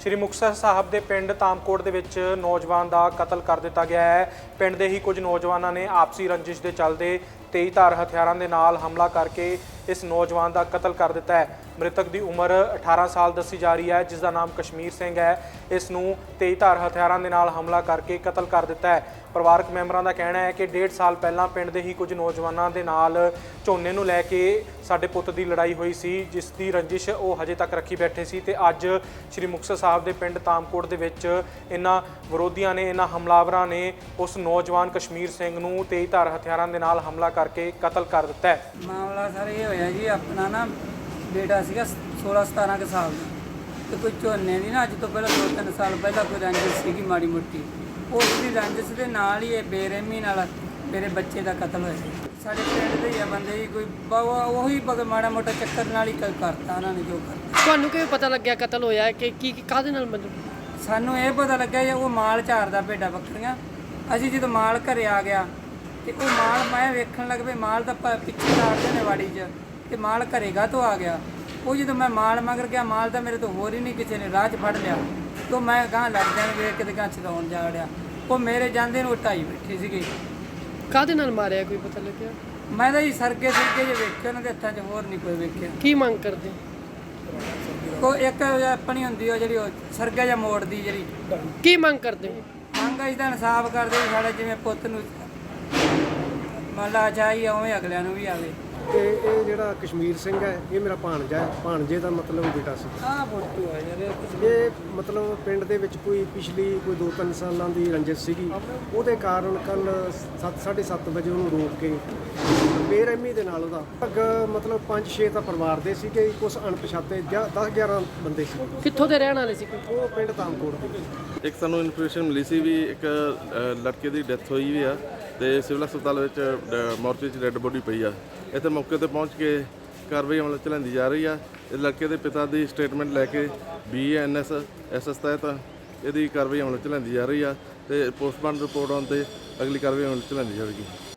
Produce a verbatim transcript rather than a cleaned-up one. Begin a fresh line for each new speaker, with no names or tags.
ਸ਼੍ਰੀ ਮੁਕਤਸਰ ਸਾਹਿਬ ਦੇ ਪਿੰਡ ਤਾਮਕੋਟ ਦੇ ਵਿੱਚ ਨੌਜਵਾਨ ਦਾ ਕਤਲ ਕਰ ਦਿੱਤਾ ਗਿਆ ਹੈ। ਪਿੰਡ ਦੇ ਹੀ ਕੁਝ ਨੌਜਵਾਨਾਂ ਨੇ ਆਪਸੀ ਰੰਜਿਸ਼ ਦੇ ਚੱਲਦੇ ਤੇਜ਼ ਧਾਰ ਹਥਿਆਰਾਂ ਦੇ ਨਾਲ ਹਮਲਾ ਕਰਕੇ ਇਸ ਨੌਜਵਾਨ ਦਾ ਕਤਲ ਕਰ ਦਿੱਤਾ ਹੈ। ਮ੍ਰਿਤਕ ਦੀ ਉਮਰ ਅਠਾਰਾਂ ਸਾਲ ਦੱਸੀ ਜਾ ਰਹੀ ਹੈ, ਜਿਸ ਦਾ ਨਾਮ ਕਸ਼ਮੀਰ ਸਿੰਘ ਹੈ। ਇਸ ਨੂੰ ਤੇਜ਼ ਧਾਰ ਹਥਿਆਰਾਂ ਦੇ ਨਾਲ ਹਮਲਾ ਕਰਕੇ ਕਤਲ ਕਰ ਦਿੱਤਾ ਹੈ। ਪਰਿਵਾਰਕ ਮੈਂਬਰਾਂ ਦਾ ਕਹਿਣਾ ਹੈ ਕਿ ਡੇਢ ਸਾਲ ਪਹਿਲਾਂ ਪਿੰਡ ਦੇ ਹੀ ਕੁਝ ਨੌਜਵਾਨਾਂ ਦੇ ਨਾਲ ਝੋਨੇ ਨੂੰ ਲੈ ਕੇ ਸਾਡੇ ਪੁੱਤ ਦੀ ਲੜਾਈ ਹੋਈ ਸੀ, ਜਿਸ ਦੀ ਰੰਜਿਸ਼ ਉਹ ਹਜੇ ਤੱਕ ਰੱਖੀ ਬੈਠੇ ਸੀ ਤੇ ਅੱਜ ਸ਼੍ਰੀ ਮੁਕਤਸਰ ਸਾਹਿਬ ਦੇ ਪਿੰਡ ਤਾਮਕੋਟ ਦੇ ਵਿੱਚ ਇਹਨਾਂ ਵਿਰੋਧੀਆਂ ਨੇ, ਇਹਨਾਂ ਹਮਲਾਵਰਾਂ ਨੇ ਉਸ ਨੌਜਵਾਨ ਕਸ਼ਮੀਰ ਸਿੰਘ ਨੂੰ ਤੇਜ਼ ਧਾਰ ਹਥਿਆਰਾਂ ਦੇ ਨਾਲ ਹਮਲਾ ਕਰਕੇ ਕਤਲ ਕਰ ਦਿੱਤਾ ਹੈ।
ਮਾਮਲਾ ਸਰ ਇਹ ਹੋਇਆ ਜੀ, ਆਪਣਾ ਨਾ ਬੇਟਾ ਸੀਗਾ ਸੋਲਾਂ ਸਤਾਰਾਂ ਕੁ ਸਾਲ ਦਾ, ਤੇ ਕੋਈ ਝੋਨੇ ਦੀ ਨਾ ਅੱਜ ਤੋਂ ਪਹਿਲਾਂ ਦੋ ਤਿੰਨ ਸਾਲ ਪਹਿਲਾਂ ਕੋਈ ਰੰਜਿਸ਼ ਸੀਗੀ ਮਾੜੀ ਮੋਟੀ। ਉਸ ਦੀ ਰੰਜਿਸ਼ ਦੇ ਨਾਲ ਹੀ ਇਹ ਬੇਰਹਿਮੀ ਨਾਲ ਮੇਰੇ ਬੱਚੇ ਦਾ ਕਤਲ ਹੋਇਆ। ਸਾਡੇ ਪਿੰਡ ਦੇ ਹੀ ਆ ਬੰਦੇ ਜੀ, ਕੋਈ ਉਹੀ ਬਗ ਮਾੜਾ ਮੋਟਾ ਚੱਕਰ ਨਾਲ ਹੀ ਕ- ਕਰਤਾ ਉਹਨਾਂ ਨੇ ਜੋ ਕਰਤਾ।
ਤੁਹਾਨੂੰ ਕਿਵੇਂ ਪਤਾ ਲੱਗਿਆ ਕਤਲ ਹੋਇਆ ਕਿ ਕੀ ਕਾਹਦੇ ਨਾਲ ਮਤਲਬ?
ਸਾਨੂੰ ਇਹ ਪਤਾ ਲੱਗਿਆ ਜੀ ਉਹ ਮਾਲ ਝਾਰਦਾ ਭੇਡਾਂ ਬੱਕਰੀਆਂ। ਅਸੀਂ ਜਦੋਂ ਮਾਲ ਘਰੇ ਆ ਗਿਆ ਤੇ ਉਹ ਮਾਲ ਮੈਂ ਵੇਖਣ ਲੱਗ ਪਈ, ਮਾਲ ਤਾਂ ਪ- ਪਿੱਛੇ ਲਾੜਦੇ ਨੇ ਵਾੜੀ 'ਚ, ਤੇ ਮਾਲ ਘਰੇਗਾ ਤੋਂ ਆ ਗਿਆ। ਉਹ ਜਦੋਂ ਮੈਂ ਮਾਲ ਮਗਰ ਗਿਆ, ਮਾਲ ਤਾਂ ਮੇਰੇ ਤੋਂ ਹੋਰ ਹੀ ਨਹੀਂ ਕਿਸੇ ਨੇ ਰਾਹ 'ਚ ਫੜ ਲਿਆ। ਤੋਂ ਮੈਂ ਗਾਂ ਲੱਗਦਿਆਂ ਨੂੰ ਵੇਖ ਕੇ ਤੇ ਗਾਂ ਚਲਾਉਣ ਜਾ ਵੜਿਆ। ਉਹ ਮੇਰੇ ਜਾਂਦੇ ਨੂੰ ਢਾਈ ਬੈਠੇ ਸੀਗੇ।
ਕਾਹਦੇ ਨਾਲ ਮਾਰਿਆ ਕੋਈ ਪਤਾ ਲੱਗਿਆ?
ਮੈਂ ਤਾਂ ਜੀ ਸਰਗੇ ਸਰਗੇ ਜੇ ਵੇਖੇ ਉਹਨਾਂ ਦੇ ਹੱਥਾਂ 'ਚ, ਹੋਰ ਨਹੀਂ ਕੋਈ ਵੇਖਿਆ।
ਕੀ ਮੰਗ ਕਰਦੇ?
ਕੋਈ ਇੱਕ ਆਪਣੀ ਹੁੰਦੀ ਉਹ ਜਿਹੜੀ ਉਹ ਸਰਗਾ ਜਾਂ ਮੋੜਦੀ ਜਿਹੜੀ
ਕੀ ਮੰਗ ਕਰਦੇ?
ਮੰਗ ਅਸੀਂ ਤਾਂ ਇਨਸਾਫ ਕਰਦੇ ਵੀ ਸਾਡੇ ਜਿਵੇਂ ਪੁੱਤ ਨੂੰ ਮੰਨ ਲਾ ਚਾਹੀ ਉਵੇਂ ਅਗਲਿਆਂ ਨੂੰ ਵੀ ਆਵੇ।
ਤੇ ਇਹ ਜਿਹੜਾ ਕਸ਼ਮੀਰ ਸਿੰਘ ਹੈ, ਇਹ ਮੇਰਾ ਭਾਣਜਾ ਹੈ, ਭਾਣਜੇ ਦਾ ਮਤਲਬ ਬੇਟਾ ਸੀ।
ਆਹ ਫੋਟੋ ਆ ਯਾਰ
ਇਹ ਮਤਲਬ ਪਿੰਡ ਦੇ ਵਿੱਚ ਕੋਈ ਪਿਛਲੀ ਕੋਈ ਦੋ ਤਿੰਨ ਸਾਲਾਂ ਦੀ ਰੰਜਿਸ਼ ਸੀਗੀ। ਉਹਦੇ ਕਾਰਨ ਕੱਲ ਸੱਤ ਸਾਢੇ ਸੱਤ ਵਜੇ ਉਹਨੂੰ ਰੋਕ ਕੇ ਬੇਰਹਿਮੀ ਦੇ ਨਾਲ ਉਹਦਾ ਅੱਗ ਮਤਲਬ ਪੰਜ ਛੇ ਤਾਂ ਪਰਿਵਾਰ ਦੇ ਸੀਗੇ, ਕੁਛ ਅਣਪਛਾਤੇ ਦਸ ਗਿਆਰਾਂ ਬੰਦੇ ਸੀ।
ਕਿੱਥੋਂ ਦੇ ਰਹਿਣ ਵਾਲੇ ਸੀ ਕੋਈ?
ਉਹ ਪਿੰਡ ਤਾਮਕੋਟ ਦੇ।
ਇੱਕ ਸਾਨੂੰ ਇਨਫੋਰਮੇਸ਼ਨ ਮਿਲੀ ਸੀ ਵੀ ਇੱਕ ਅ, ਲੜਕੇ ਦੀ ਡੈਥ ਹੋਈ ਵੀ ਆ ਤੇ ਸਿਵਲ ਹਸਪਤਾਲ ਵਿੱਚ ਡ- ਮੋਰਚੇ 'ਚ ਡੈੱਡ ਬੋਡੀ ਪਈ ਆ। ਇੱਥੇ ਮੌਕੇ ਤੇ ਪਹੁੰਚ ਕੇ ਕਾਰਵਾਈ ਅਮਲ 'ਚ ਲੈਂਦੀ ਜਾ ਰਹੀ ਆ। ਇਸ ਲੜਕੇ ਦੇ ਪਿਤਾ ਦੀ ਸਟੇਟਮੈਂਟ ਲੈ ਕੇ B N S S S ਤਹਿਤ ਇਹਦੀ ਕਾਰਵਾਈ ਅਮਲ 'ਚ ਲੈਂਦੀ ਜਾ ਰਹੀ ਆ ਤੇ ਪੋਸਟਮਾਰਟਮ ਰਿਪੋਰਟ ਆਉਣ ਤੇ ਅਗਲੀ ਕਾਰਵਾਈ ਅਮਲ 'ਚ ਲੈਂਦੀ ਜਾਵੇਗੀ।